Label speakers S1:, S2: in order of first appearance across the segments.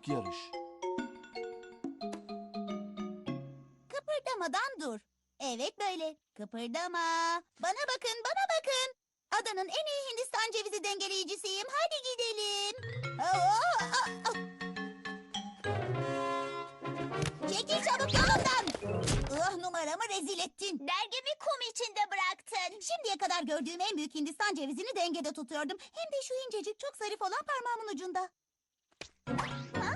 S1: Büyük yarış.
S2: Kıpırdamadan dur. Evet böyle. Kıpırdama. Bana bakın, bana bakın. Adanın en iyi Hindistan cevizi dengeleyicisiyim. Hadi gidelim. Çekil çabuk yolumdan. Numaramı rezil ettin.
S3: Dergimi kum içinde bıraktın.
S2: Şimdiye kadar gördüğüm en büyük Hindistan cevizini dengede tutuyordum. Hem de şu incecik çok zarif olan parmağımın ucunda. Ha?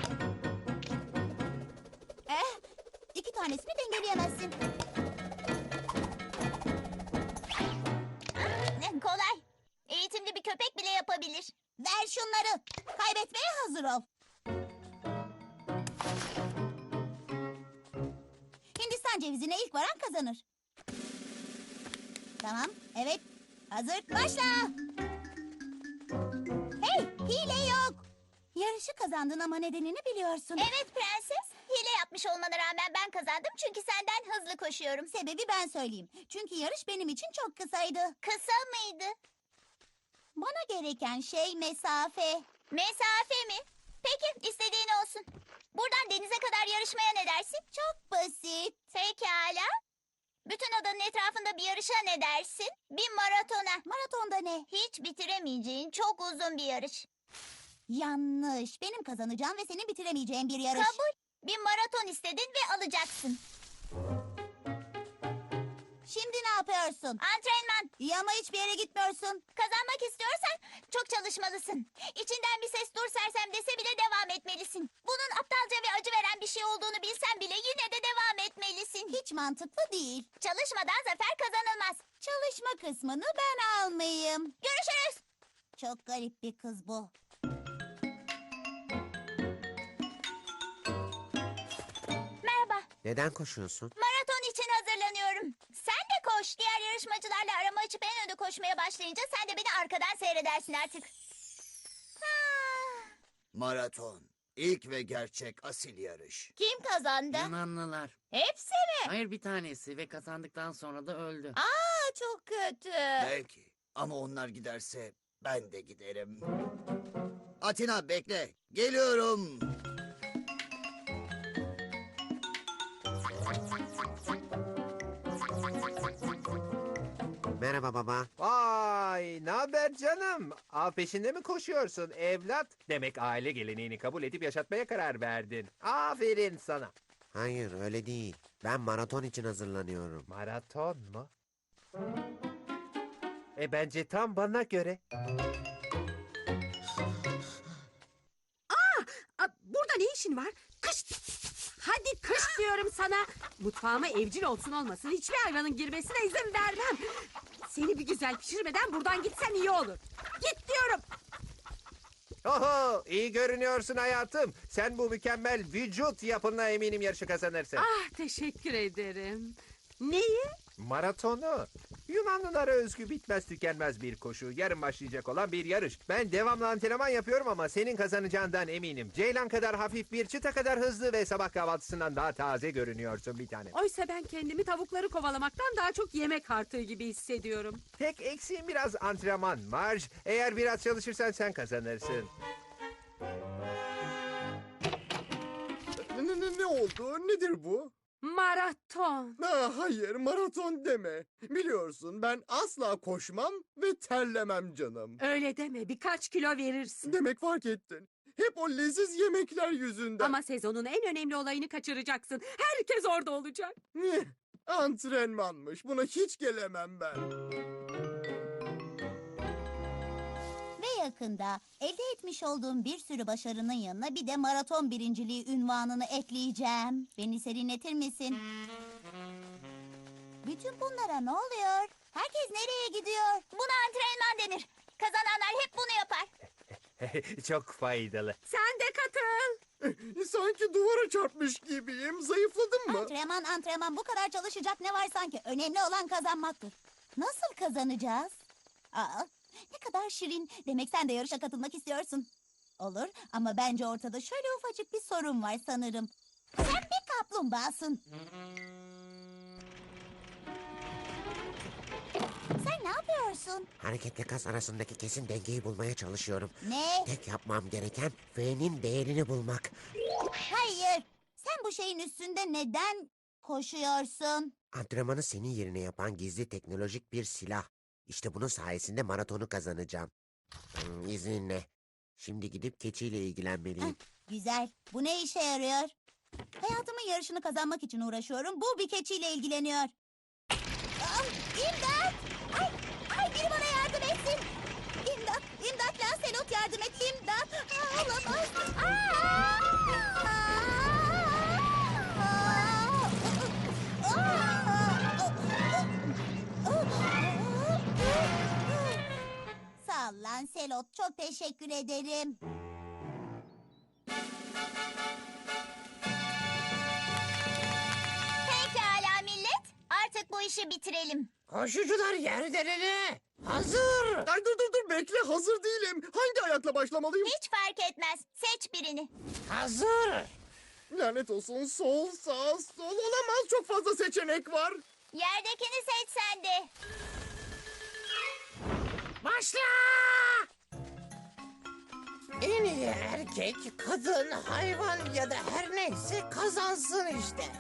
S2: İki tanesini dengeleyemezsin.
S3: Ne kolay. Eğitimli bir köpek bile yapabilir.
S2: Ver şunları. Kaybetmeye hazır ol. Hindistan cevizine ilk varan kazanır. Tamam, evet. Hazır, başla. Hey, hile yok. Yarışı kazandın ama nedenini biliyorsun.
S3: Evet prenses. Hile yapmış olmana rağmen ben kazandım çünkü senden hızlı koşuyorum.
S2: Sebebi ben söyleyeyim. Çünkü yarış benim için çok kısaydı.
S3: Kısa mıydı?
S2: Bana gereken şey mesafe.
S3: Mesafe mi? Peki istediğin olsun. Buradan denize kadar yarışmaya ne dersin?
S2: Çok basit.
S3: Pekala. Bütün adanın etrafında bir yarışa ne dersin? Bir maratona.
S2: Maratonda ne?
S3: Hiç bitiremeyeceğin çok uzun bir yarış.
S2: Yanlış. Benim kazanacağım ve senin bitiremeyeceğin bir yarış.
S3: Kabul. Bir maraton istedin ve alacaksın.
S2: Şimdi ne yapıyorsun?
S3: Antrenman.
S2: İyi ama hiçbir yere gitmiyorsun.
S3: Kazanmak istiyorsan çok çalışmalısın. İçinden bir ses dur sersem dese bile devam etmelisin. Bunun aptalca ve acı veren bir şey olduğunu bilsen bile yine de devam etmelisin.
S2: Hiç mantıklı değil.
S3: Çalışmadan zafer kazanılmaz.
S2: Çalışma kısmını ben almayayım.
S3: Görüşürüz.
S2: Çok garip bir kız bu.
S3: Merhaba.
S4: Neden koşuyorsun?
S3: Maraton için hazırlanıyorum. Sen de koş. Diğer yarışmacılarla arama açıp en önde koşmaya başlayınca sen de beni arkadan seyredersin artık.
S5: Maraton. İlk ve gerçek asil yarış.
S3: Kim kazandı?
S6: Yunanlılar.
S3: Hepsi mi?
S6: Hayır bir tanesi ve kazandıktan sonra da öldü.
S3: Aa, çok kötü.
S5: Belki. Ama onlar giderse ben de giderim. Atina bekle. Geliyorum.
S4: Merhaba baba.
S7: Vay, ne haber canım? Av peşinde mi koşuyorsun evlat? Demek aile geleneğini kabul edip yaşatmaya karar verdin. Aferin sana.
S4: Hayır öyle değil. Ben maraton için hazırlanıyorum.
S7: Maraton mu? Bence tam bana göre.
S8: Burada ne işin var? Kış! Hadi kış diyorum sana. Mutfağıma evcil olsun olmasın hiçbir hayvanın girmesine izin vermem. Seni bir güzel pişirmeden buradan gitsen iyi olur. Git diyorum.
S7: Oho, iyi görünüyorsun hayatım. Sen bu mükemmel vücut yapınla eminim yarışı kazanırsın.
S8: Ah teşekkür ederim. Neyi?
S7: Maratonu. Yunanlılara özgü bitmez tükenmez bir koşu. Yarın başlayacak olan bir yarış. Ben devamlı antrenman yapıyorum ama senin kazanacağından eminim. Ceylan kadar hafif, bir çıta kadar hızlı ve sabah kahvaltısından daha taze görünüyorsun bir tane.
S8: Oysa ben kendimi tavukları kovalamaktan daha çok yemek artığı gibi hissediyorum.
S7: Tek eksiğin biraz antrenman Marge. Eğer biraz çalışırsan sen kazanırsın.
S9: Ne oldu? Nedir bu?
S8: Maraton.
S9: Hayır, maraton deme. Biliyorsun ben asla koşmam ve terlemem canım.
S8: Öyle deme birkaç kilo verirsin.
S9: Demek fark ettin. Hep o leziz yemekler yüzünden.
S8: Ama sezonun en önemli olayını kaçıracaksın. Herkes orada olacak.
S9: Antrenmanmış. Buna hiç gelemem ben.
S2: Ve yakında elde etmiş olduğum bir sürü başarının yanına bir de maraton birinciliği unvanını ekleyeceğim. Beni serinletir misin? Bütün bunlara ne oluyor? Herkes nereye gidiyor?
S3: Buna antrenman denir. Kazananlar hep bunu yapar.
S7: Çok faydalı.
S8: Sen de katıl.
S9: Sanki duvara çarpmış gibiyim. Zayıfladım mı?
S2: Antrenman bu kadar çalışacak ne var sanki? Önemli olan kazanmaktır. Nasıl kazanacağız? Aa, ne kadar şirin. Demek sen de yarışa katılmak istiyorsun. Olur ama bence ortada şöyle ufacık bir sorun var sanırım. Sen bir kaplumbağasın. Sen Sen ne yapıyorsun?
S4: Hareketle kas arasındaki kesin dengeyi bulmaya çalışıyorum.
S2: Ne?
S4: Tek yapmam gereken V'nin değerini bulmak.
S2: Hayır. Sen bu şeyin üstünde neden koşuyorsun?
S4: Antrenmanı senin yerine yapan gizli teknolojik bir silah. İşte bunun sayesinde maratonu kazanacağım. İzninle. Şimdi gidip keçiyle ilgilenmeliyim.
S2: Güzel. Bu ne işe yarıyor? Hayatımın yarışını kazanmak için uğraşıyorum. Bu bir keçiyle ilgileniyor. İmdat! Ay, biri bana yardım etsin. İmdat, imdat Lancelot yardım et. İmdat. Olamaz. Sağ ol Lancelot. Çok teşekkür ederim.
S3: Pekala millet. Artık bu işi bitirelim.
S5: Koşucular yerlerine. Hazır.
S9: Ay dur bekle, hazır değilim. Hangi ayakla başlamalıyım?
S3: Hiç fark etmez. Seç birini.
S5: Hazır.
S9: Lanet olsun, sol sağ sol olamaz, çok fazla seçenek var.
S3: Yerdekini seç sen de.
S5: Başla. En iyi erkek, kadın, hayvan ya da her neyse kazansın işte.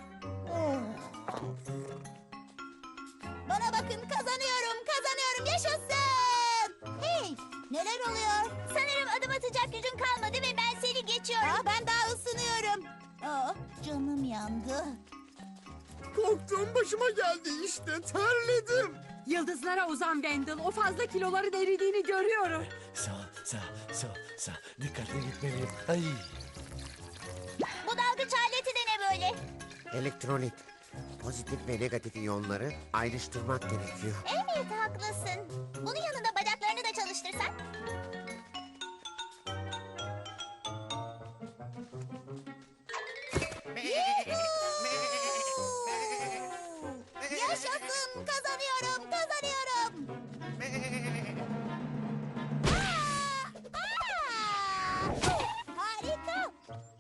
S2: Bana bakın, kazanıyorum, yaşasın. Hey, neler oluyor?
S3: Sanırım adım atacak gücün kalmadı ve ben seni geçiyorum.
S2: Ben daha ısınıyorum. Canım yandı.
S9: Korktuğum başıma geldi işte, terledim.
S8: Yıldızlara uzan Wendell. O fazla kiloların eridiğini görüyorum.
S1: Sağ. Dikkatli gitmeliyim. Ay.
S3: Bu dalgıç aleti de ne böyle?
S4: Elektrolit. Pozitif ve negatif iyonları ayrıştırmak gerekiyor.
S3: Evet haklısın. Bunun yanında bacaklarını da çalıştırsan.
S2: Yaşasın, kazanıyorum. Harika.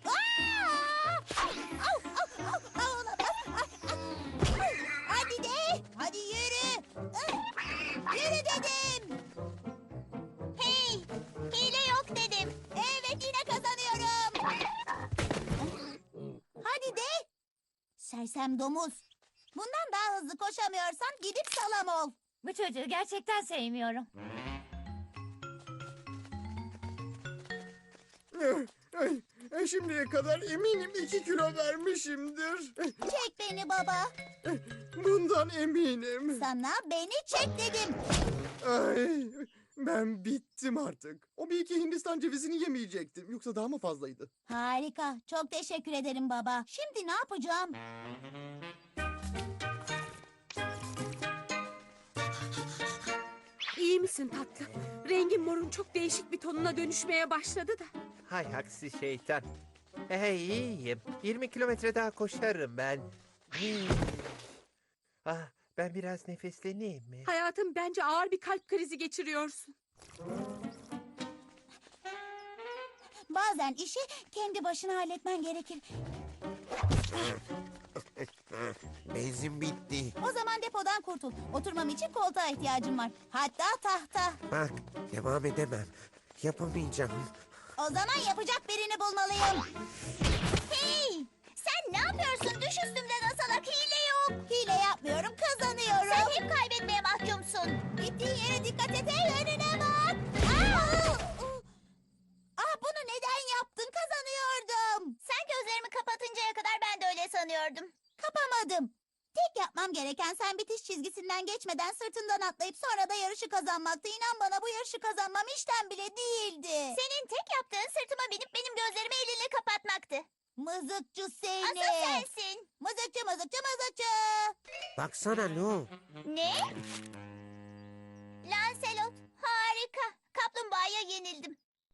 S2: Olamaz. Hadi de, hadi yürü. Yürü dedim.
S3: Hey, hile yok dedim.
S2: Evet, yine kazanıyorum. Hadi de. Sersem domuz. Bundan daha hızlı koşamıyorsan gidip salam ol.
S3: Bu çocuğu gerçekten sevmiyorum.
S9: Şimdiye kadar eminim 2 kilo vermişimdir.
S2: Çek beni baba.
S9: Bundan eminim.
S2: Sana beni çek dedim.
S9: Ay, ben bittim artık. O bir iki Hindistan cevizini yemeyecektim. Yoksa daha mı fazlaydı?
S2: Harika. Çok teşekkür ederim baba. Şimdi ne yapacağım?
S8: İyi misin tatlım? Rengin morun çok değişik bir tonuna dönüşmeye başladı da.
S7: Hay aksi şeytan. İyiyim. 20 kilometre daha koşarım ben. Ben biraz nefesleneyim mi?
S8: Hayatım, bence ağır bir kalp krizi geçiriyorsun.
S2: Bazen işi kendi başına halletmen gerekir.
S4: Benzin bitti.
S2: O zaman depodan kurtul. Oturmam için koltuğa ihtiyacım var. Hatta tahta.
S4: Bak, devam edemem. Yapamayacağım.
S2: O zaman yapacak birini bulmalıyım.
S3: Hey, sen ne yapıyorsun? Düş üstümden asalak, hile yok.
S2: Hile yapmıyorum, kazanıyorum.
S3: Sen hep kaybetmeye mahkumsun.
S2: Gittiğin yere dikkat et, önüne bak. Bunu neden yaptın? Kazanıyordum.
S3: Sen gözlerimi kapatıncaya kadar ben de öyle sanıyordum.
S2: Kapamadım. Tek yapmam gereken sen bitiş çizgisinden geçmeden sırtından atlayıp sonra da yarışı kazanmaktı. İnan bana, bu yarışı kazanmam işten bile değildi.
S3: Senin tek yaptığın sırtıma binip benim gözlerimi elinle kapatmaktı.
S2: Mızıkçı seni.
S3: Asıl sensin.
S2: Mızıkçı.
S4: Baksana Lu.
S3: Ne? Lancelot, harika. Kaplumbağaya yenildim.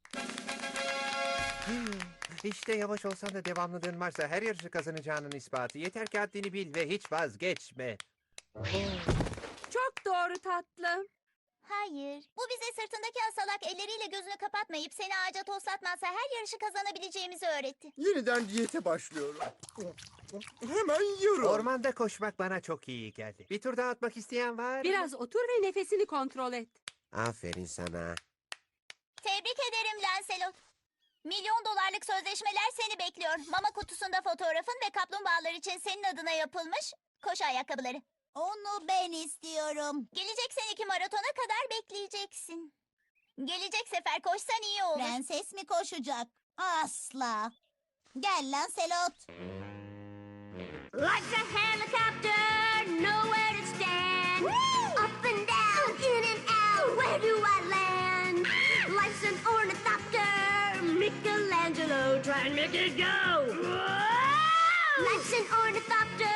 S7: İşte yavaş olsan da devamlılığın varsa her yarışı kazanacağının ispatı. Yeter ki haddini bil ve hiç vazgeçme.
S8: Çok doğru tatlım.
S3: Hayır. Bu bize sırtındaki asalak elleriyle gözünü kapatmayıp seni ağaca toslatmazsa her yarışı kazanabileceğimizi öğretti.
S9: Yeniden diyete başlıyorum. Hemen yiyorum.
S7: Ormanda koşmak bana çok iyi geldi. Bir tur daha atmak isteyen var mı?
S8: Biraz otur ve nefesini kontrol et.
S4: Aferin sana.
S3: Tebrik ederim Lancelot. $1.000.000'lık sözleşmeler seni bekliyor. Mama kutusunda fotoğrafın ve kaplumbağalar için senin adına yapılmış koşu ayakkabıları.
S2: Onu ben istiyorum.
S3: Gelecek seneki maratona kadar bekleyeceksin. Gelecek sefer koşsan iyi olur.
S2: Prenses mi koşacak? Asla. Gel Lancelot.
S3: Like a helicopter, nowhere to stand. Up and down, in and out, where do I land? Life's an ornithopter, Michelangelo, try and make it go. Life's an ornithopter,